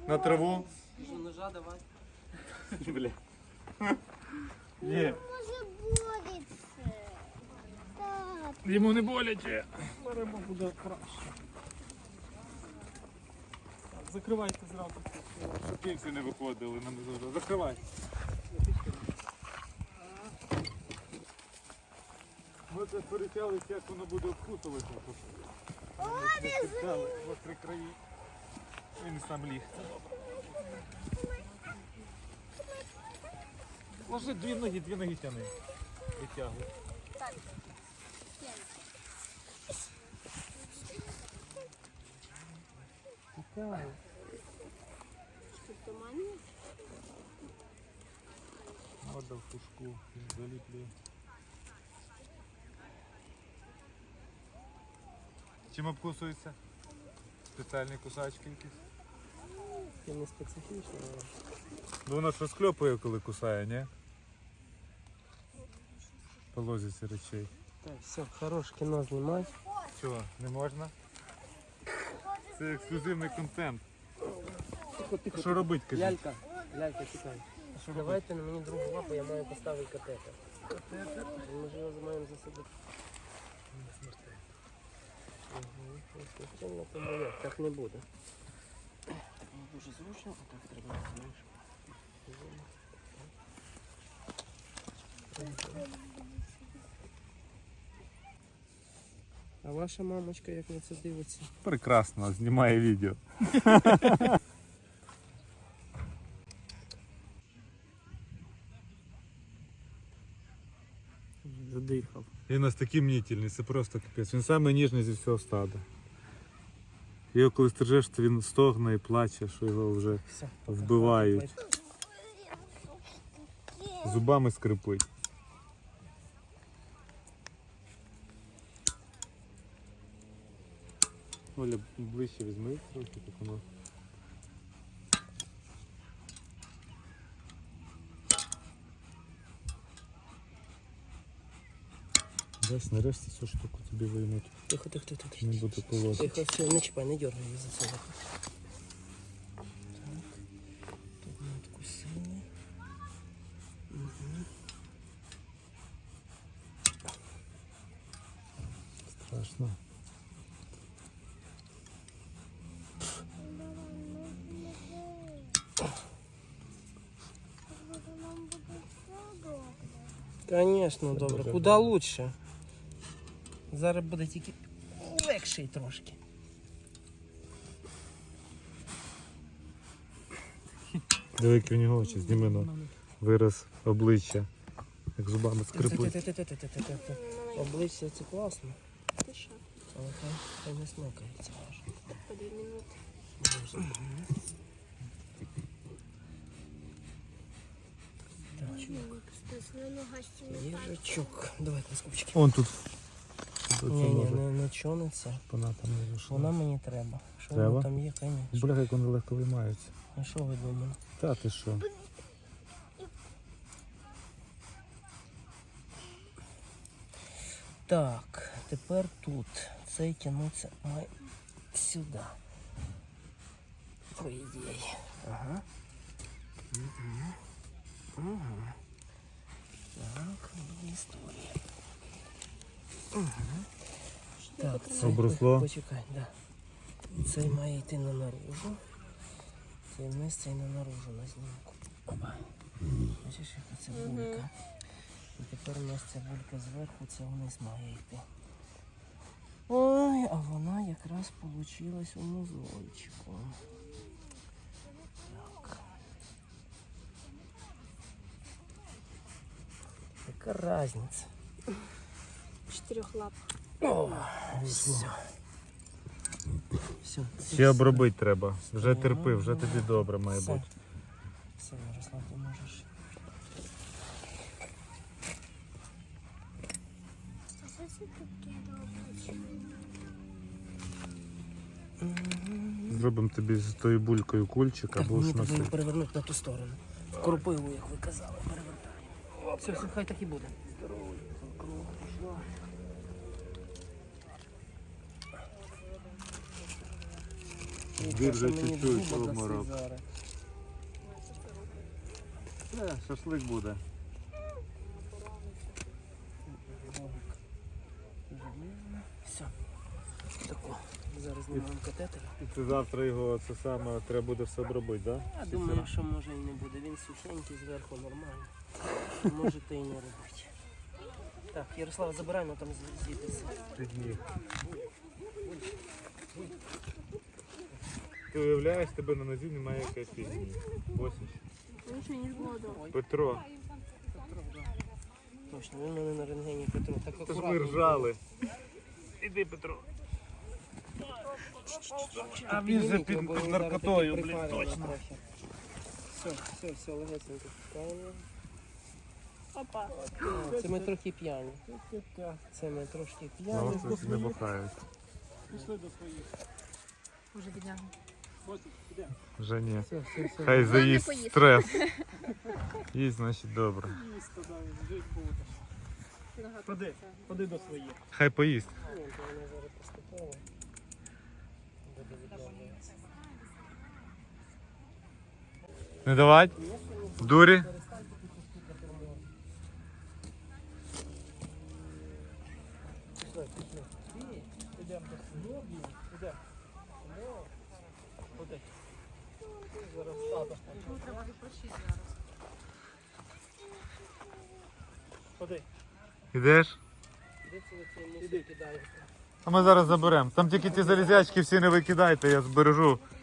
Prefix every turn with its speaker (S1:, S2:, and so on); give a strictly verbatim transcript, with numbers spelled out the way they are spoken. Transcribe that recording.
S1: На траву.
S2: Що, ножа давай.
S1: Бля. Ні.
S3: Може боліться. Так.
S1: Йому не боляче. Беремо буде краще. Так, закривайте зразу. Щоб кільці не виходили. Нам завжди. Закривай. Ми це перетялися, як воно буде обкусувати.
S3: О, не
S1: Перетяли в острі краї. Він сам ліг. Це добре. Ложи дві ноги, дві ноги тяни. Витягуй.
S3: Так.
S1: Витягуй.
S3: Що, туманні?
S1: Вода в пушку заліплює. Чим обкусується? Спеціальні кусачки якісь?
S2: Це не специфічно, але...
S1: Ну воно ж розкльопує, коли кусає, ні? По лозіці речей.
S2: Так, все, хорош кіно знімай.
S1: Чого, не можна? Це ексклюзивний контент.
S2: Тихо, тихо.
S1: Що робить, кажіть?
S2: Лялька, лялька, чекай.
S1: Що робить?
S2: Давайте на мені другу лапу, я маю поставити катетер. Катетер? Ми ж його маємо засадити. Угу. Смертельно, тому як, так не буде. Не дуже зручно, а так треба, знаєш. А ваша мамочка як на це дивиться?
S1: Прекрасно, знімає відео.
S2: Задихав.
S1: Він у нас такий мнітельний, це просто капець. Він самий ніжний зі всього стада. Його коли стрижеш, то він стогне і плаче, що його вже
S2: Все.
S1: вбивають. Зубами скрипить. Оля, ближче візьми трохи, так воно. Десь нарешті цю штуку тобі виймуть.
S2: Тихо, тихо, тихо, тихо.
S1: Не буде полоти.
S2: Тихо, все, не чіпай, не дергай її за це. Так. Тут ми откусили. Угу.
S1: Страшно.
S2: Конечно,
S1: Це
S2: добре.
S1: дуже
S2: Куди
S1: добре.
S2: лучше. Зараз буде тільки легший трошки.
S1: Диви, які в нього очі, зніми на вираз обличчя. Як зубами скрипуть.
S2: Ти-ти-ти-ти-ти-ти-ти-ти. Обличчя це класно.
S3: Ти що?
S2: Але хай, хай не смикається.
S3: По дві минути.
S2: Їжачок. Давай на скупчики.
S1: Он тут.
S2: Ні, ні, не, не чониться.
S1: Вона там не вийшла.
S2: Вона мені треба. Що
S1: Треба?
S2: воно там є, звісно.
S1: Бля, як вони легко виймаються.
S2: А що ви думали?
S1: Та ти що?
S2: Так, тепер тут. Цей тягнуться має сюди. По ідеї. Ага. Угу. Угу. Так, є історія. Угу. Так, цей,
S1: Обросло?
S2: почекай, да. Цей має йти на наружу. Цей вниз, цей на наружу на знімку. Опа. Бачиш, яка це булька. І тепер у нас ця булька зверху, це вниз має йти. Ой, а вона якраз получилась у мозольчику. Так. Яка різниця?
S3: Чотирьох лап.
S2: О, все. Все.
S1: Ще обробити треба. Вже терпи, вже тобі добре має
S2: Все.
S1: бути.
S2: Все, Ярослав, ти можеш.
S3: А що це таке добре?
S1: Зробимо тобі з тою булькою кульчик
S2: Так,
S1: або
S2: мені
S1: ж
S2: треба її
S1: носити.
S2: перевернути на ту сторону. Кропиву, як ви казали, перевертаємо. Все, все, хай так і буде. Здорово, кров пішла.
S1: Двір вже
S2: Мені
S1: чуть-чуть
S2: зуба дасть
S1: обморок.
S2: зараз.
S1: Е, шашлик буде.
S2: Все. Тако. Зараз знімаємо катетер.
S1: І це завтра його це саме треба буде все обробити, так?
S2: Я думаю, що може і не буде. Він сухенький, зверху нормально. Можете і не робити. Так, Ярослава, забирай, ну там звідси.
S1: Ти уявляєш, тебе на нозі немає якоїсь фігні. Осінь.
S3: Лучше, ніж було дома.
S1: Петро,
S2: Точно, він у мене на рентгені Петро. Так
S1: це ж ми
S2: акуратно.
S1: ржали. Іди, Петро. А він же
S2: Підніміть
S1: під,
S2: його, бо
S1: під
S2: він зараз
S1: наркотою,
S2: таки
S1: блін,
S2: припалює
S1: точно.
S2: трохи. Все, все, все, легесенько пускаємо.
S3: Опа.
S2: А, Це ми трохи п'яні. Це ми трошки
S1: Ну,
S2: п'яні.
S1: це не бухають.
S3: Уже бідняга.
S1: Вже ні.
S2: Все, все, все.
S1: Хай заїсть
S3: поїсть.
S1: стрес. Їсть, значить добре.
S4: Ходи, ходи до своїх.
S1: Хай поїсть.
S2: Ні, то вона зараз поступово буде відновлюватися.
S1: Не давать? Дурі?
S2: Пішли, пішли.
S4: Ідемо до своїх. Ідемо. Ходи. Зараз тата. Ходи.
S1: Ідеш?
S2: Де це ви цей мусор кидаєте?
S1: А ми зараз заберемо. Там тільки ті залізячки всі не викидайте, я збережу.